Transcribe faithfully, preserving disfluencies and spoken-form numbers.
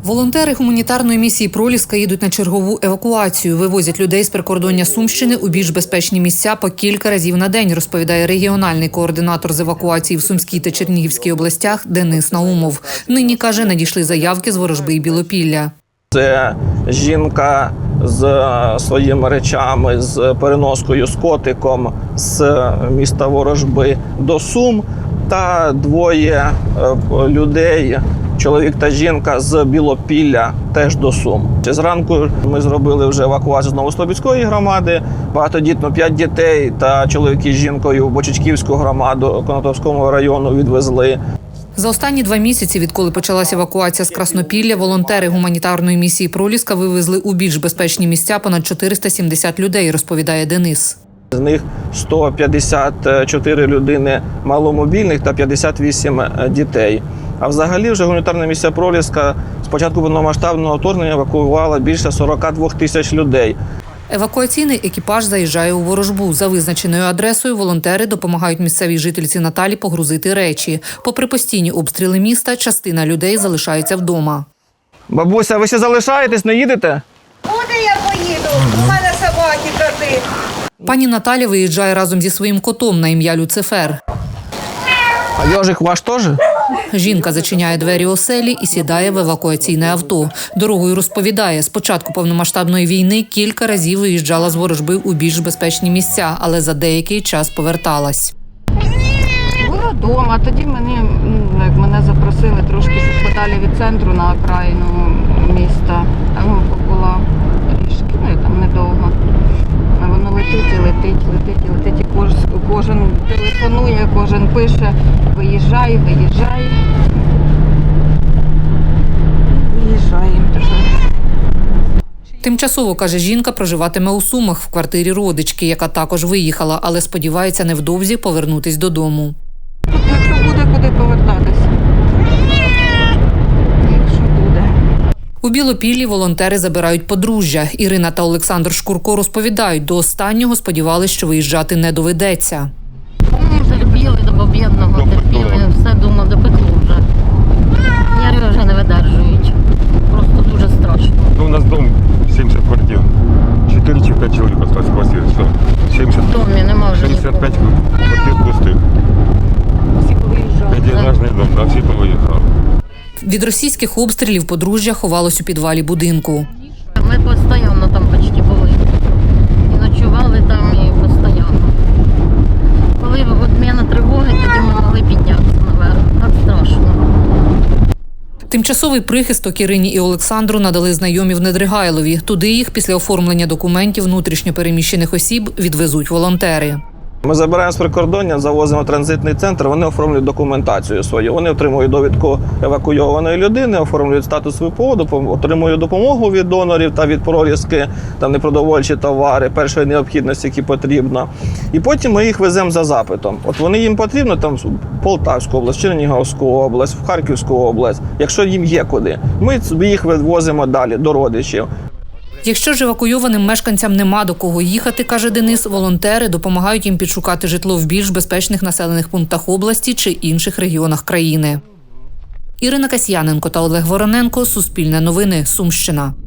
Волонтери гуманітарної місії «Проліска» їдуть на чергову евакуацію. Вивозять людей з прикордоння Сумщини у більш безпечні місця по кілька разів на день, розповідає регіональний координатор з евакуації в Сумській та Чернігівській областях Денис Наумов. Нині, каже, надійшли заявки з Ворожби і Білопілля. Це жінка з своїми речами, з переноскою, з котиком з міста Ворожби до Сум та двоє людей, чоловік та жінка з Білопілля, теж до Сум. Зранку ми зробили вже евакуацію з Новослобідської громади, багатодітно п'ять дітей та чоловіки з жінкою в Бочечківську громаду Конотопського району відвезли. За останні два місяці, відколи почалася евакуація з Краснопілля, волонтери гуманітарної місії «Проліска» вивезли у більш безпечні місця понад чотириста сімдесят людей, розповідає Денис. З них сто п'ятдесят чотири людини маломобільних та п'ятдесят вісім дітей. А взагалі вже гуманітарна місія «Проліска» з початку повномасштабного вторгнення евакуювала більше сорока двох тисяч людей. Евакуаційний екіпаж заїжджає у Ворожбу. За визначеною адресою волонтери допомагають місцевій жительці Наталі погрузити речі. Попри постійні обстріли міста, частина людей залишається вдома. Бабуся, ви ще залишаєтесь, не їдете? Куди я поїду? У мене собаки, коти. Пані Наталя виїжджає разом зі своїм котом на ім'я Люцифер. А йожик ваш теж? Жінка зачиняє двері оселі і сідає в евакуаційне авто. Дорогою розповідає, з початку повномасштабної війни кілька разів виїжджала з Ворожби у більш безпечні місця, але за деякий час поверталась. Була вдома, тоді мене, як мене запросили трошки подалі від центру на окраїну міста. Там була трішки, ну і там недовго. А воно летить і летить, летить і летить. І кожен, кожен телефонує, кожен пише: виїжджай, виїжджай. Виїжджаємо тепер. Тимчасово, каже жінка, проживатиме у Сумах в квартирі родички, яка також виїхала, але сподівається невдовзі повернутись додому. Якщо буде куди повертатися. Якщо буде. У Білопіллі волонтери забирають подружжя. Ірина та Олександр Шкурко розповідають, до останнього сподівалися, що виїжджати не доведеться. Терпіли до побєдного, терпіли, все думав, допекло вже. Нерви вже не видержують. Просто дуже страшно. У нас дом сімдесят квартир. чотири чи п'ять чоловік осталось в квартирі. Все. сімдесят, В домі нема вже сімдесят п'ять нікого. квартир пустих. Всі повиїжджали. П'ятиэтажний дом, да, всі повиїхали. Від російських обстрілів подружжя ховалось у підвалі будинку. Ми постійно там почти були. І ночували там, і постійно. Коли відміна тривоги, тоді ми могли піднятися наверх. Так страшно. Тимчасовий прихисток Ірині і Олександру надали знайомі в Недригайлові. Туди їх після оформлення документів внутрішньо переміщених осіб відвезуть волонтери. Ми забираємо з прикордоння, завозимо в транзитний центр, вони оформлюють документацію свою. Вони отримують довідку евакуйованої людини, оформлюють статус ВПО, отримують допомогу від донорів та від «Проліски», там непродовольчі товари, першої необхідності, які потрібно. І потім ми їх веземо за запитом. От вони їм потрібно там в Полтавську область, Чернігівську область, в Харківську область, якщо їм є куди. Ми їх відвозимо далі до родичів. Якщо ж евакуйованим мешканцям нема до кого їхати, каже Денис, волонтери допомагають їм підшукати житло в більш безпечних населених пунктах області чи інших регіонах країни. Ірина Касьяненко та Олег Вороненко. Суспільне новини. Сумщина.